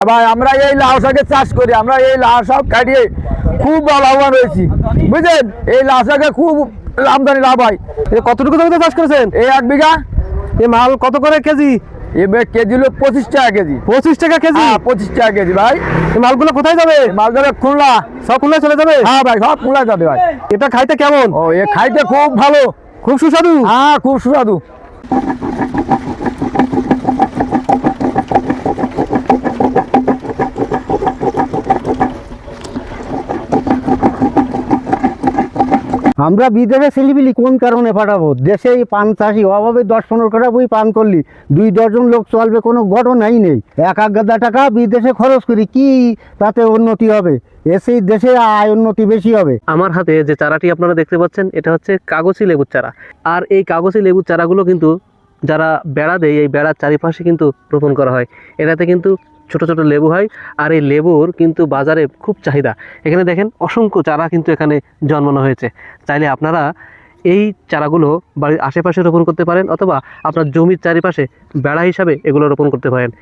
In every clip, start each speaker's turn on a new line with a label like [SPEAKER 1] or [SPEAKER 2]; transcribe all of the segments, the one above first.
[SPEAKER 1] ভাই আমরা এই লাউ শাকের চাষ করি, আমরা এই লাউ শাক কাটিয়ে খুব লাভবান হয়েছি, বুঝলেন। এই লাউ শাকে খুব আমদানি লাভ হয়।
[SPEAKER 2] কতটুকু জমিতে চাষ করেছেন?
[SPEAKER 1] এই 1 বিঘা।
[SPEAKER 2] এই মাল কত করে কেজি?
[SPEAKER 1] এবার কেজি হলো 25 টাকা কেজি।
[SPEAKER 2] 25 টাকা কেজি?
[SPEAKER 1] 25 টাকা কেজি ভাই।
[SPEAKER 2] এই মালগুলো কোথায় যাবে?
[SPEAKER 1] মাল যাবে খুলনা।
[SPEAKER 2] সব খুলনায় চলে যাবে?
[SPEAKER 1] হ্যাঁ ভাই, সব খুলনা যাবে ভাই।
[SPEAKER 2] এটা খাইতে কেমন?
[SPEAKER 1] ও এ খাইতে খুব ভালো,
[SPEAKER 2] খুব সুস্বাদু।
[SPEAKER 1] হ্যাঁ খুব সুস্বাদু।
[SPEAKER 3] আমরা বিদেশে ছেলেপিলি কোন কারণে পাঠাবো? দেশে এই পান চাষি অভাবে 10-15 কাটা বই পান করলি 2 ডজন লোক চলবে, কোনো ঘটনাই নেই। 1,000 টাকা বিদেশে খরচ করি, কি তাতে উন্নতি হবে? এসেই দেশে আয় উন্নতি বেশি হবে।
[SPEAKER 2] আমার হাতে যে চারাটি আপনারা দেখতে পাচ্ছেন এটা হচ্ছে কাগজি লেবুর চারা। আর এই কাগজি লেবুর চারাগুলো কিন্তু যারা বেড়া দেয় এই বেড়ার চারিপাশে কিন্তু রোপণ করা হয়। এটাতে কিন্তু ছোট ছোট লেবু হয়, আর এই লেবুর কিন্তু বাজারে খুব চাহিদা। এখানে দেখেন অসংখ্য চারা কিন্তু এখানে জন্মানো হয়েছে। চাইলে আপনারা এই চারাগুলো বাড়ির আশেপাশে রোপণ করতে পারেন, অথবা আপনার জমির চারিপাশে বেড়া হিসাবে এগুলো রোপণ করতে পারেন।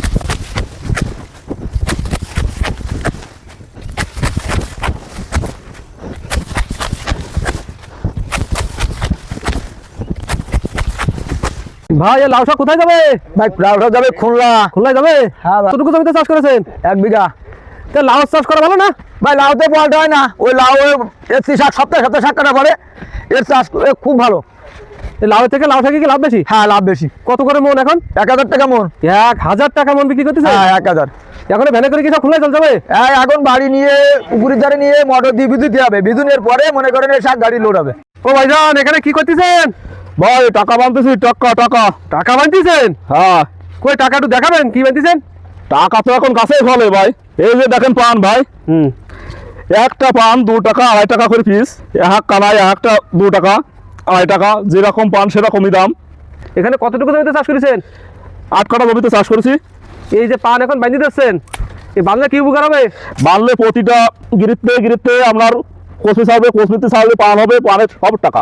[SPEAKER 2] ভাই এই লাউ শাক কোথায় যাবে?
[SPEAKER 1] ভাই লাউ শাক যাবে খুলনা।
[SPEAKER 2] খুলনায় যাবে?
[SPEAKER 1] হ্যাঁ ভাই।
[SPEAKER 2] কতটুকু জমিতে চাষ করেছেন?
[SPEAKER 1] 1 বিঘা।
[SPEAKER 2] তা লাউ চাষ করা ভালো না?
[SPEAKER 1] ভাই লাউতে বলতে হয় না, ওই লাউ এর শাক সপ্তাহে সপ্তাহে শাক কাটা পরে এর চাষ খুব ভালো।
[SPEAKER 2] এই লাউ থেকে লাউ শাকে কি লাভ বেশি?
[SPEAKER 1] হ্যাঁ লাভ বেশি।
[SPEAKER 2] কত করে মন এখন?
[SPEAKER 1] 1,000 টাকা মন।
[SPEAKER 2] 1000 টাকা মন বিক্রি করতেছে?
[SPEAKER 1] হ্যাঁ 1,000।
[SPEAKER 2] এখন ভ্যানে করে কি সব খুলনায় চলে যাবে?
[SPEAKER 1] হ্যাঁ এখন বাড়ি নিয়ে পুকুরের ধারে নিয়ে মোটর দিয়ে বিদ্যুৎ দিতে হবে, বিদ্যুতের পরে মনে করেন এই শাক গাড়ি লোড হবে।
[SPEAKER 2] ও ভাইজান এখানে কি করতেছেন?
[SPEAKER 1] ভাই টাকা বানতেছি, টাকা টাকা।
[SPEAKER 2] টাকা বানতেছেন?
[SPEAKER 1] হ্যাঁ
[SPEAKER 2] কই টাকা একটু দেখাবেন কি বানতেছেন?
[SPEAKER 1] টাকা তো এখন কাছেই ফলে ভাই। এই যে দেখেন পান ভাই, একটা পান 2 টাকা 2.5 টাকা করে পিস। এক কানায় একটা 2 টাকা 2.5 টাকা, যেরকম পান সেরকমই দাম।
[SPEAKER 2] এখানে কতটুকু জমিতে চাষ করেছেন?
[SPEAKER 1] 8 কাঠা জমিতে চাষ করেছি।
[SPEAKER 2] এই যে পান এখন বাঁধি দিচ্ছেন, এই বাঁধলে কি উপকার হবে?
[SPEAKER 1] বানলে প্রতিটা গিরিতে গিরিতে আপনার কচি ছাড়বে, কচমিতে ছাড়বে, পান হবে, পানের সব টাকা।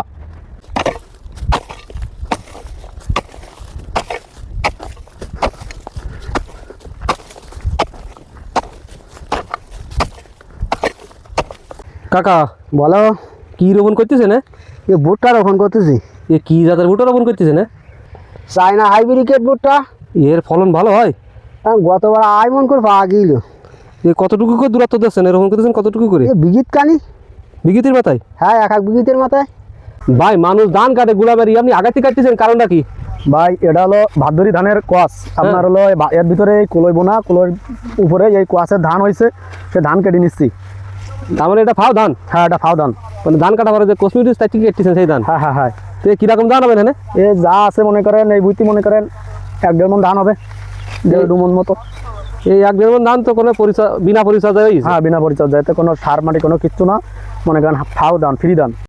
[SPEAKER 2] কাকা
[SPEAKER 3] বলো,
[SPEAKER 2] কি রোপণ করতেছেন?
[SPEAKER 3] এ ভুট্টা রোপণ করতেছি।
[SPEAKER 2] এ কি জাতের ভুট্টা রোপণ করতেছেন?
[SPEAKER 3] চায়না হাইব্রিকেট ভুট্টা।
[SPEAKER 2] এর ফলন ভালো হয়?
[SPEAKER 3] গতবার আয় মন করে পাওয়া গেল।
[SPEAKER 2] এ কতটুকু করে দূরত্ব দিচ্ছেন, রোপণ করতেছেন কতটুকু করে?
[SPEAKER 3] এ বিঘিত কানি।
[SPEAKER 2] বিঘিতির মাথায়?
[SPEAKER 3] হ্যাঁ 1 বিঘিতের মাথায়।
[SPEAKER 2] ভাই মানুষ ধান কাটে গুলাবারি, আপনি আগাতি কাটতেছেন, কারণটা কি?
[SPEAKER 1] ভাই এটা হলো ভাদ্রি ধানের কোয়াশ। আপনার হলো এর ভিতরে কুলোই বোনা, কুলোর উপরে এই কোয়াশের ধান হয়েছে, সে ধান কেটে নিচ্ছি।
[SPEAKER 2] তার মানে এটা ফাও ধান?
[SPEAKER 1] হ্যাঁ এটা ফাও ধান।
[SPEAKER 2] মানে ধান কাটা পরে যে কসমেটিক্স তাই ঠিক কাটতেছেন সেই ধান?
[SPEAKER 1] হ্যাঁ হ্যাঁ হ্যাঁ।
[SPEAKER 2] তো কিরকম ধান হবে এখানে?
[SPEAKER 1] এ যা আছে মনে করেন এই বুঝতে মনে করেন 1-1.5 মন ধান হবে, 1.5 মন মতো।
[SPEAKER 2] এই 1-1.5 মণ ধান তো কোনো বিনা পরিচর্যায়?
[SPEAKER 1] হ্যাঁ বিনা পরিচর্যায়, এতে কোনো সার মাটি কোনো কিচ্ছু না, মনে করেন ফাও ধান, ফ্রি ধান।